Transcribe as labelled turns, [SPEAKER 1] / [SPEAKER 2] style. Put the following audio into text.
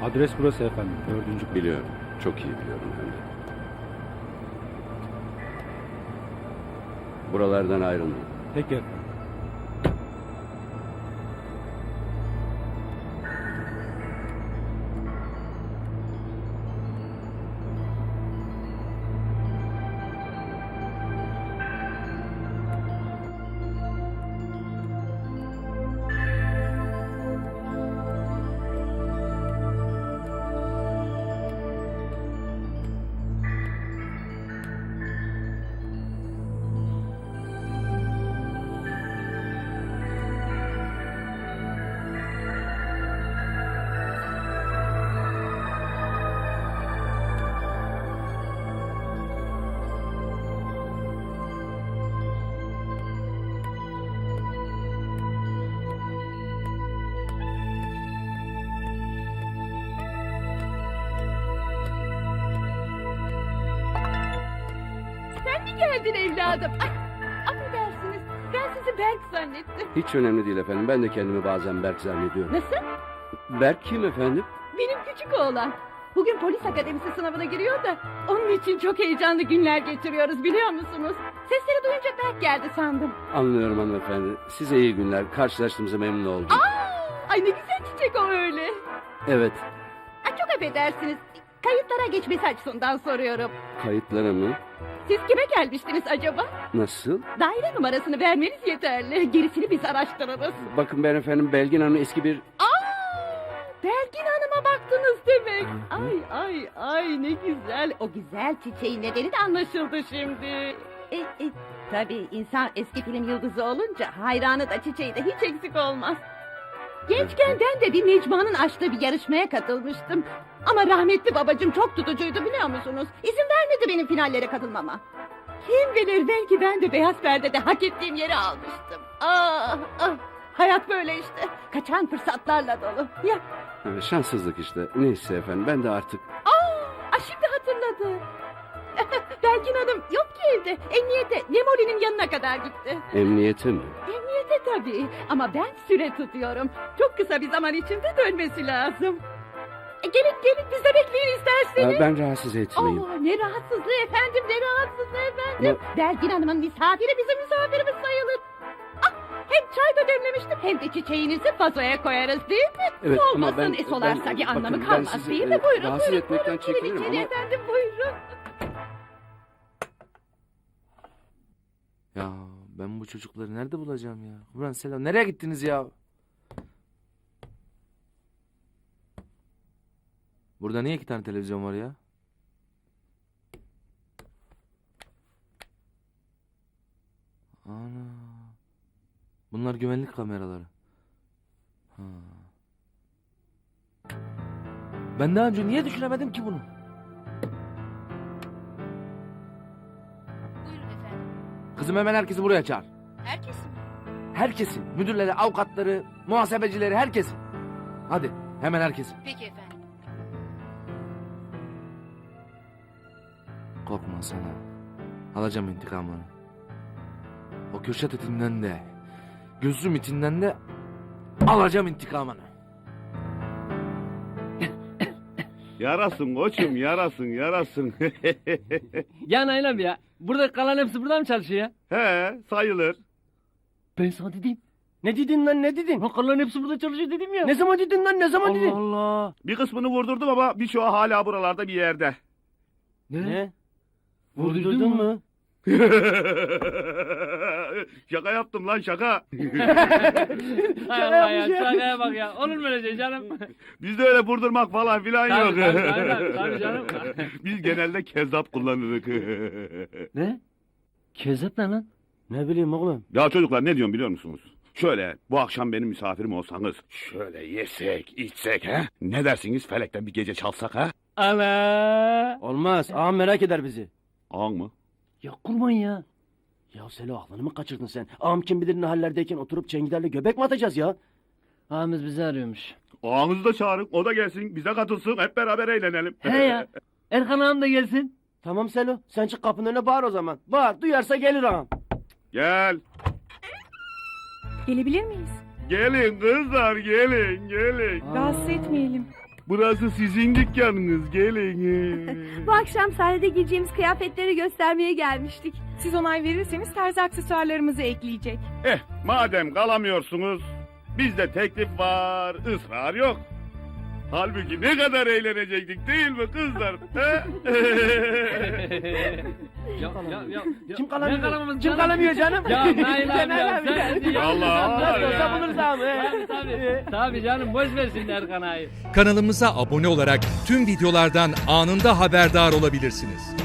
[SPEAKER 1] Adres burası efendim. 4.
[SPEAKER 2] Biliyorum. Çok iyi biliyorum hem de. Buralardan ayrılmayın.
[SPEAKER 1] Peki efendim.
[SPEAKER 3] Sen mi geldin evladım? Ay, affedersiniz. Ben sizi Berk zannettim.
[SPEAKER 2] Hiç önemli değil efendim. Ben de kendimi bazen Berk zannediyorum.
[SPEAKER 3] Nasıl?
[SPEAKER 2] Berk kim efendim?
[SPEAKER 3] Benim küçük oğlan. Bugün polis akademisi sınavına giriyor da onun için çok heyecanlı günler geçiriyoruz biliyor musunuz? Sesleri duyunca Berk geldi sandım.
[SPEAKER 2] Anlıyorum hanımefendi. Size iyi günler. Karşılaştığımıza memnun oldum.
[SPEAKER 3] Ay ne güzel çiçek o öyle.
[SPEAKER 2] Evet.
[SPEAKER 3] Ay çok affedersiniz. Kayıtlara geçmesi açısından soruyorum.
[SPEAKER 2] Kayıtlara mı?
[SPEAKER 3] Siz kime gelmiştiniz acaba?
[SPEAKER 2] Nasıl?
[SPEAKER 3] Daire numarasını vermeniz yeterli. Gerisini biz araştırırız.
[SPEAKER 2] Bakın ben efendim Belgin Hanım eski bir...
[SPEAKER 3] Belgin Hanım'a baktınız demek. Ay ne güzel. O güzel çiçeğin nedeni de anlaşıldı şimdi. Tabii insan eski film yıldızı olunca hayranı da çiçeği de hiç eksik olmaz. Gençken ben de bir Necma'nın açtığı bir yarışmaya katılmıştım. Ama rahmetli babacığım çok tutucuydu biliyor musunuz? İzin vermedi benim finallere katılmama. Kim bilir belki ben de beyaz perdede hak ettiğim yeri almıştım. Hayat böyle işte. Kaçan fırsatlarla dolu. Ya
[SPEAKER 2] Şanssızlık işte. Neyse efendim ben de artık...
[SPEAKER 3] şimdi hatırladım. Belgin Hanım yok ki evde. Emniyete Memoli'nin yanına kadar gitti.
[SPEAKER 2] Emniyete mi?
[SPEAKER 3] Emniyete tabii. Ama ben süre tutuyorum. Çok kısa bir zaman içinde dönmesi lazım. Gelin bize bekleyin isterseniz.
[SPEAKER 2] Ben rahatsız etmeyeyim.
[SPEAKER 3] Ne rahatsızlığı efendim ne rahatsızlığı efendim. Belgin Hanım'ın misafiri bizim misafirimiz sayılır. Hem çay da demlemiştim hem de çiçeğinizi vazoya koyarız değil mi?
[SPEAKER 2] Evet, ama
[SPEAKER 3] Solmasın
[SPEAKER 2] ben-
[SPEAKER 3] solarsa
[SPEAKER 2] ben-
[SPEAKER 3] bir
[SPEAKER 2] bakın,
[SPEAKER 3] anlamı
[SPEAKER 2] ben
[SPEAKER 3] kalmaz
[SPEAKER 2] sizi,
[SPEAKER 3] değil mi? Buyurun
[SPEAKER 2] rahatsız
[SPEAKER 3] buyurun.
[SPEAKER 2] etmekten
[SPEAKER 3] Buyurun,
[SPEAKER 2] çekinirim
[SPEAKER 3] içeri
[SPEAKER 2] ama-
[SPEAKER 3] efendim buyurun.
[SPEAKER 4] Ya ben bu çocukları nerede bulacağım ya? Ulan selam nereye gittiniz ya? Burada niye 2 tane televizyon var ya? Ana. Bunlar güvenlik kameraları. Ha. Ben daha önce niye düşünemedim ki bunu?
[SPEAKER 3] Buyurun efendim.
[SPEAKER 4] Kızım hemen herkesi buraya çağır.
[SPEAKER 3] Herkes mi?
[SPEAKER 4] Herkesi. Müdürleri, avukatları, muhasebecileri, herkesi. Hadi hemen herkesi.
[SPEAKER 3] Peki efendim.
[SPEAKER 4] Korkma sana. Alacağım intikamını. O Kürşat itinden de, gözüm itinden de alacağım intikamını.
[SPEAKER 5] Yarasın koçum yarasın.
[SPEAKER 6] Ya Nail abi ya. Burada kalan hepsi burada mı çalışıyor ya?
[SPEAKER 5] He sayılır.
[SPEAKER 6] Ben sana dedim. Ne dedin lan ne dedin? Kalan hepsi burada çalışıyor dedim ya. Ne zaman dedin lan ne zaman dedin? Allah Allah.
[SPEAKER 5] Bir kısmını vurdurdum ama birçoğu hala buralarda bir yerde.
[SPEAKER 6] Ne? Vurdurdun mu?
[SPEAKER 5] Şaka yaptım lan şaka.
[SPEAKER 6] Hay Allah ya şakaya bak ya. Olur mu öyle şey canım?
[SPEAKER 5] Bizde öyle vurdurmak falan filan yok.
[SPEAKER 6] Tabii canım.
[SPEAKER 5] Biz genelde kezzap kullanırız.
[SPEAKER 6] Ne? Kezzap ne lan? Ne bileyim oğlum.
[SPEAKER 5] Ya çocuklar ne diyorum biliyor musunuz? Şöyle bu akşam benim misafirim olsanız şöyle yesek içsek he? Ne dersiniz felekten bir gece çalsak ha?
[SPEAKER 6] Ana.
[SPEAKER 7] Olmaz. Ağam merak eder bizi.
[SPEAKER 5] Ağın mı?
[SPEAKER 6] Ya kurban ya.
[SPEAKER 7] Ya Selo aklını mı kaçırdın sen? Ağam kim bilir ne hallerdeyken oturup Cengiler'le göbek mi atacağız ya?
[SPEAKER 6] Ağamız bizi arıyormuş.
[SPEAKER 5] Ağanızı da çağırın o da gelsin bize katılsın hep beraber eğlenelim.
[SPEAKER 6] He ya. Erkan ağam da gelsin.
[SPEAKER 7] Tamam Selo. Sen çık kapının önüne bağır o zaman. Bağır. Duyarsa gelir ağam.
[SPEAKER 5] Gel.
[SPEAKER 8] Gelebilir miyiz?
[SPEAKER 5] Gelin kızlar gelin.
[SPEAKER 8] Rahatsız etmeyelim.
[SPEAKER 5] Burası sizin dükkanınız, gelin.
[SPEAKER 8] Bu akşam sahnede giyeceğimiz kıyafetleri göstermeye gelmiştik.
[SPEAKER 9] Siz onay verirseniz terzi aksesuarlarımızı ekleyecek.
[SPEAKER 5] Madem kalamıyorsunuz, bizde teklif var, ısrar yok. Halbuki ne kadar eğlenecektik değil mi kızlar? He?
[SPEAKER 7] Kim kalamıyor? Kim kalamıyor canım?
[SPEAKER 6] Ya Nail abi ya.
[SPEAKER 5] Allah
[SPEAKER 7] Olsa buluruz abi.
[SPEAKER 6] Tabii canım boş versin Erkan ağayı.
[SPEAKER 10] Kanalımıza abone olarak tüm videolardan anında haberdar olabilirsiniz.